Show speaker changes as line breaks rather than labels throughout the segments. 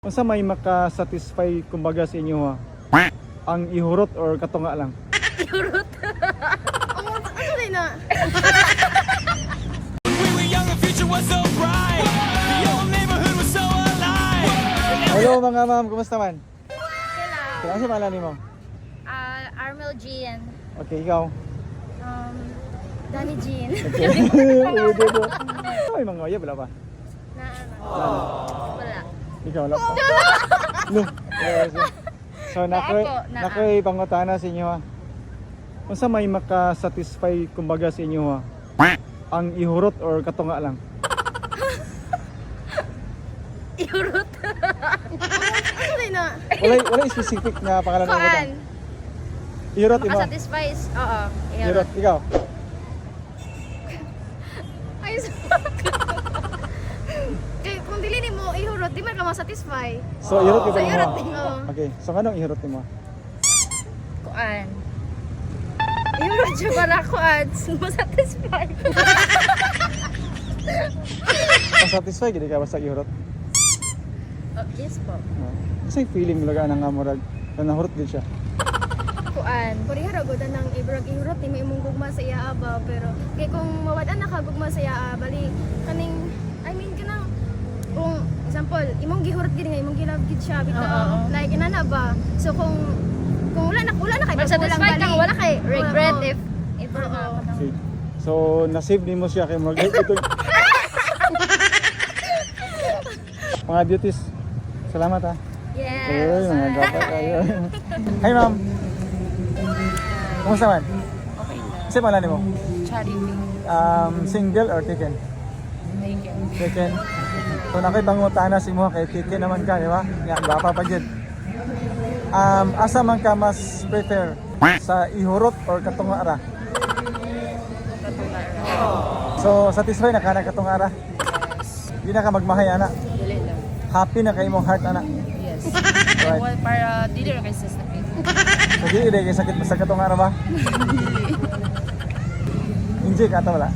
Unsa may maka-satisfy kumbaga sa inyo ha? Ang ihurot or katunga lang?
Ihurot. Ano rin na?
Hello mga ma'am, kumusta man?
Sila.
Kailan si malani mo?
Armel Jean.
Okay, ikaw?
Danny Jean.
Ay, mga oya, wala pa?
Na ano? Wala.
Ikaw, wala pa? No. So, nakoy pangutana sa inyo ha. Unsa may maka-satisfy kumbaga sa inyo ha? Ang ihurot or katunga lang?
Ihurot. Ano rin na?
Wala specific na pangalan ng
Kuan.
utang. Ihurot mo.
Makasatisfy is, oo.
Ihurot, ikaw?
Ay, kaya kung dili ni mo ihurot, di man ka masatisfy.
So, ihurot
Sa
yung
ihurot
mo?
din mo.
Okay, so anong ihurot mo?
Kuan. Ihurot siya para kuan. Masatisfy.
Satisfy gid ka basta ihurot?
Yes po.
Kasi feeling mo laga nang amurag na nahurot din siya.
Kuan. Pariha ra gud nang ibrag ihurot ni may imong gugma sa iya aba pero kay kung mawad-an na ka gugma sa iya bali kaning kanang kung example imong gihurot gid nga imong gilab gid siya bitaw. Like inana ba. So kung wala na kay
Satisfy kang wala kay regret
Oo.
if
Okay. So, na-save ni mo siya kay mag ito. Mga beauties. Salamat ha.
Yes.
Ay, mga gapa kayo. Hi ma'am. Kumusta man?
Okay lang.
Kasi malani mo?
Charity.
Single or taken?
Taken.
Taken. So nakoy pangutana si mo kay taken naman ka, di ba? Ya, gapa pa jud. Asa man ka mas prefer sa ihurot or katunga ra? So satisfy na ka na katunga ra? Di na ka magmahay ana.
Dili lang.
Happy na kay imong heart ana.
Yes.
Right.
Well, para dili ra kay sa sakit.
So di kay sakit sa katunga ra ba? Injik ata wala.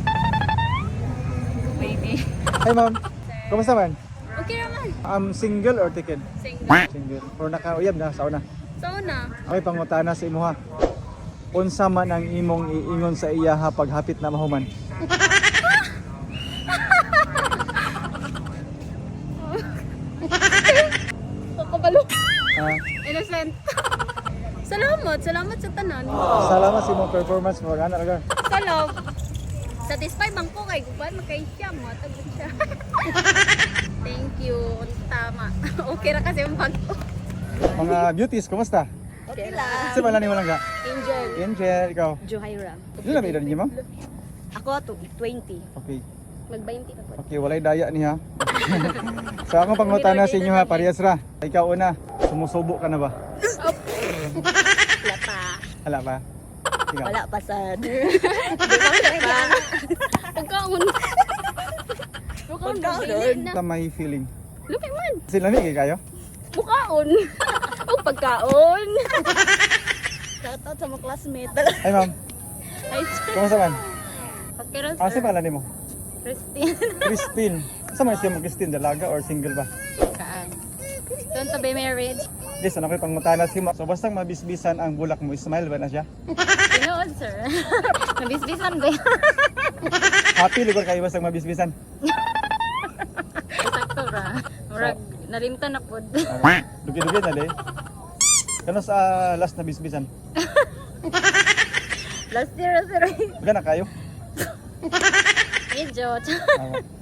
Baby.
Hi ma'am. Kumusta man?
Okay naman.
Single or taken?
Single.
Single. Or nakauyab na sa una?
So na.
Okay, pangutana sa imo ha. Unsa man ang imong iingon sa iya ha pag hapit na mahuman?
Kakabalo.
Ah,
Innocent. Salamat sa tanan.
salamat sa imong performance mo. Ana raga.
Salamat. Satisfy bang ko kay guban makay siya mo tagot siya. Thank you. Tama. Okay ra kasi yung bag ko.
Mga beauties, kumusta?
Okay lang.
Kasi wala ni mo lang ka.
Angel.
Angel, ikaw.
Johaira.
Ano na may edad niyo, ma'am?
Ako to 20.
Okay.
Mag-20 ka po.
Okay, walay daya ni ha. So akong pangutana sa inyo ha, parehas ra. Ikaw una, sumusubo ka na ba?
Wala pa.
Hala pa. Ikaw.
Wala pa sad. Pagkaon. Pagkaon.
Ito may feeling.
Lupi man.
Sila ni kayo?
Bukaon. O pagkaon. Shoutout sa mga classmate.
Ay ma'am,
Ay,
kumusta man?
okay ra
Kasi
sir.
pala ni mo?
Christine.
Christine. Sa man siya mo Christine, dalaga or single ba?
Kaan. Don't to be married.
Yes, ano ko'y pangutana si mo. So bastang mabisbisan ang bulak mo, smile ba na siya?
Tinood sir. Nabisbisan ba yan?
Happy lugar kayo bastang mabisbisan?
Sakto ra. Murag nalimtan na pod.
Dugi-dugi na day. Kano sa last na bisbisan?
Last year sir.
Magana kayo?
Medyo.
Ah,